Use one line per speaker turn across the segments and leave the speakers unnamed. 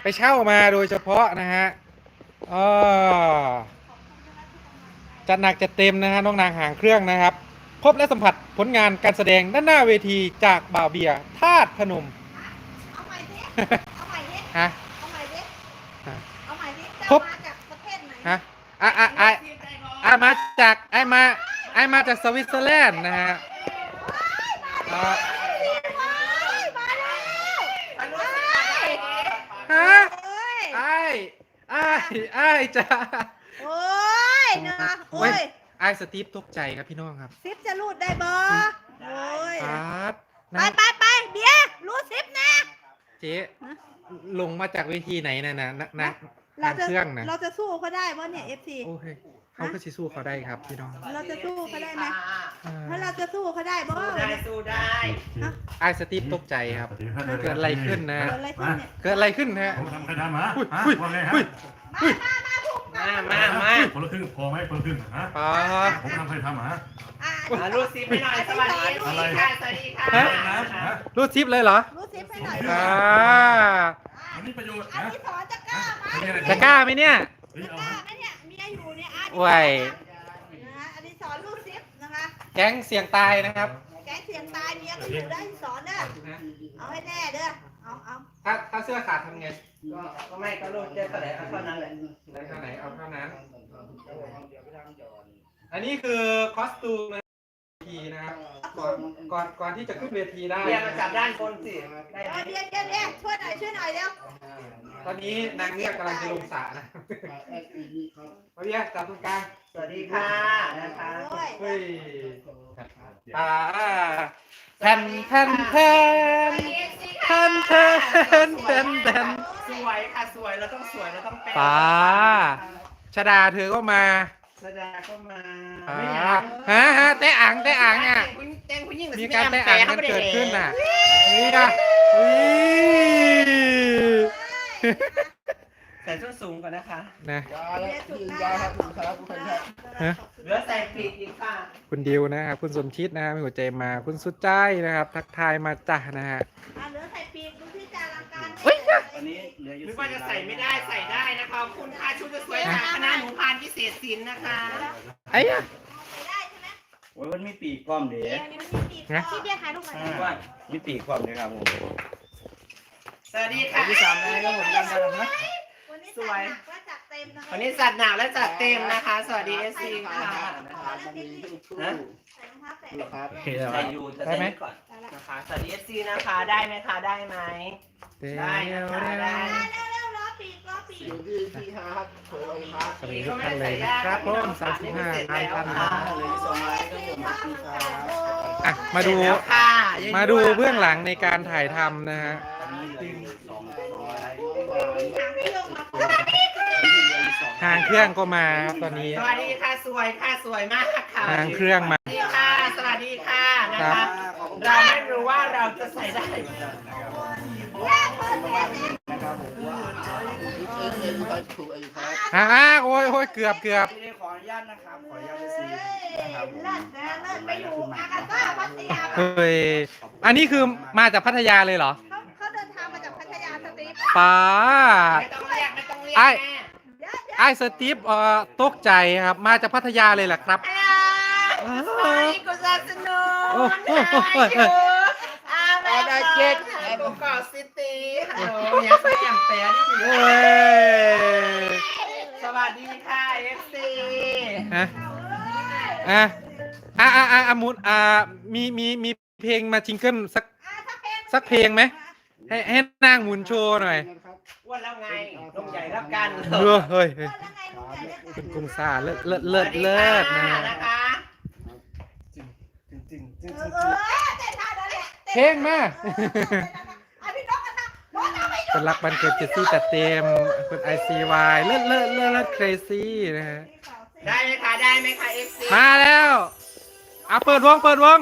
ไปเช่ามาโดยเฉพาะนะฮะอ๋อจัดหนักจัดเต็มนะฮะน้องนางหางเครื่องนะครับ พบและสัมผัสผลงานการแสดงด้านหน้าเวทีจากบ่าวเบียร์ธาตุพนม
เอาใหม่ดิเอาใหม่ดิ
ฮะ
เอาใหม่ดิเอาใหม่ดิ
พบ
มาจากประเทศไหน
ฮะมาจากมาจากสวิตเซอร์แลนด์นะฮะอ่า
มาแล้ว
ฮะ
เอ้ย
ไอ้จ้า
โอ้ยเนาะโอ้
เว้ย
ย
ไอ้สตีฟตกใจครับพี่น้องครับ
ซิปจะรูดได้บ่โอ้ย
ครับ
ไปไปไปเบียร์รูดซิปนะ
เจ๊ลงมาจากเวทีไหนนะ
เรา
ทาง
จะ
เครื่องนะ
เราจะสู้เขาได้ป่ะเนี่ย FC
โอ้ยเขาก็สิสู้เขาได้ครับพี่น้อง
เราจะสู้เขาได้ไหม
อ่า
ถ้าเราจะสู้เขาได้บ่
สู้ได้
ไอ้สตีฟตกใจครับ เกิดอะไรขึ้นนะ
เกิดอะไรขึ้นเนี่ย
เกิดอะไรขึ้นฮะ
ผมทำใครทำฮะ
อุ้ย
ว่าไงฮะ
มา
คนละครึ่งพอไหมคนละครึ่งฮะ
ป้า
ผมทำใครทำฮะ
รูดซิปให้หน่อยสวัสดีค่ะสวัสดีค่ะ
ฮะ
รูดซิปเลยเหรอ
รูดซิปให้หน่อย
อ่า
อันนี้ประโยชน์
อัน
นะ
นี้สอนจะกล้าไหม
จะกล้าไหมเนี่ย
เฮ้ย
จะ
เอา
กล้าไหมเนี่ยเมียอยู่เนี่ยอาร์ต
โอ้ย
นะอันนี้สอนรูดซิปนะคะ
แก๊งเสี่ยงตายนะครับ
แกเสียงตายเมียก็อยู่ได้สอนเด้อเอาให้แน่เด้อเอา
ถ้าเสื้อขาดทำไง
ก็ไม่ก็รูดได้เท่าไหร่เท่านั้นแหละ
ได้เท่าไหนเอาเท่านั้น อันนี้คือคอสตูมทีนะครับก่อนที่จะขึ้นเวทีได้
เรียนมาจับด้านบนสิได้
เอาเดี๋ยวช่วยหน่อยเร็ว
ตอนนี้นางเงือกกำลังจะลงสระนะมาเรียกจับตรงกลาง
สวัสดีค่ะนะคะ
โอ้ย
เฮ้ยแผ่นแผ่นแผ่นแผ่นแผ่นแผ่นแผ่น
สวยค่ะสวยเราต้องสวยเราต้องแปล
ป้าชดาเธอก็มา
แสดงก็มา
ฮะเตะอ่างเนี่ย
แจ้งผู้หญิง
มีการเตะอ่างกันเกิดขึ้นน่ะนี่นะอุ้ย
ใส่ส้นสูงก่อนนะคะ
นะ
เหลือใส่ปีกอีกค่ะ
คุณดิวนะครับคุณสมชิดนะครับมีหัวใจมาคุณสุดใจนะครับ ทักทายมาจ้ะนะฮะ
เหลือใส่ปีกดูที่จารังการ
วันนี้เหลืออยู่นึกว่าจะใส่ไม่ได้ใส่ได้นะคะคุณค่าชุดจะสวยจากคณะหนูพานพิเศษศิลป์นะคะ
ไอ้ยะ
ได้ใช่ไหม
โอ้ยมันมีปีกพร้อมเด้
นี่มันมีปีกที่เบียร์ถ่ายรูปหน่อย
ว่ามีปีกพร้อมเด้ครับผม
สวัสดีค่ะ
ที่สามแล้วก็ผมกันนะ
วันนี้จัดหนักและจัดเต็มนะคะ
วันนี้จัดหนักและจัดเต็มนะคะ สวัสดีเอซีค่ะ
นะ
นะ
ใส่รองเท้าแตะ
ใส่อยู่จะใส่ก่อนนะคะสวัสดีเอซีนะคะได้ไหมคะได้ไหม
เดี๋ยว
ได้นะคะได้
เร็วรอปีก
สวัสดีทุกท่านเลยนะครับผม35ท่านนะ
เลยส่งมาให้ก็ผมมาปีกครับ
อ่ะมาดู
แล้วค่ะ
มาดูเบื้องหลังในการถ่ายทำนะฮะ ทางเครื่องก็มาครับตอนนี้
สวัสดีค่ะสวยค่ะสวยมากค่ะ
ทางเครื่องมา
สวัสดีค่ะสวัสดีค่ะนะคะเราไม่รู้ว่าเราจะใส่ได้
โอ้ยเกือบ
ขออนุญาตนะครับขออนุญาตจะซีนะครับผม
ไปอยู่อากาซ่าพัทยา
เฮ้ยอันนี้คือมาจากพัทยาเลยเหรอ
เขาเดินทางมาจากพัทยาสตีฟ
ป้า
ไม่ต้องเรียกไม่ต้องเรียก
ไอ้
แม่
ไอ้สตีฟตกใจครับมาจากพัทยาเลยเหรอครับ
สวัสดีกุศลสนุ
โอ้
ก
โห
อาได้เจ็ดกุกอซิตี้ฮัลโหลยังใส่ยังแต่นี่
โอ้ย
สวัสดีค่ะเอฟซี
ฮะมุนมีเพลงมาจิงเกิลสักเพลงไหมให้นางหมุนโชว์หน่อย
อ้วนแล้วไงลงใหญ่แล้วกัน
เฮ้ยคุณกุ้งซ่าเลิศนะ
นะคะ
เพลงมาคนรักบันเกิดเจสซี่จัดเต็มคุณ ICY เลิศ crazy นะฮะ
ได้ไหมคะได้ไหมคะเอฟซี
มาแล้วเอาเปิดวง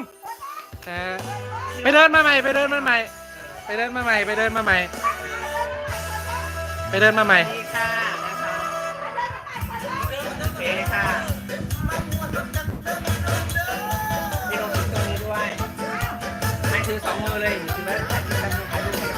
ไปเดินมาใหม่ไปเดินมาใหม่
ดีค่ะนะคะโอเคค่ะมีลงตรงนี้ด้วยไม่ถือสองมือเลยถือไว้ถ่ายรูป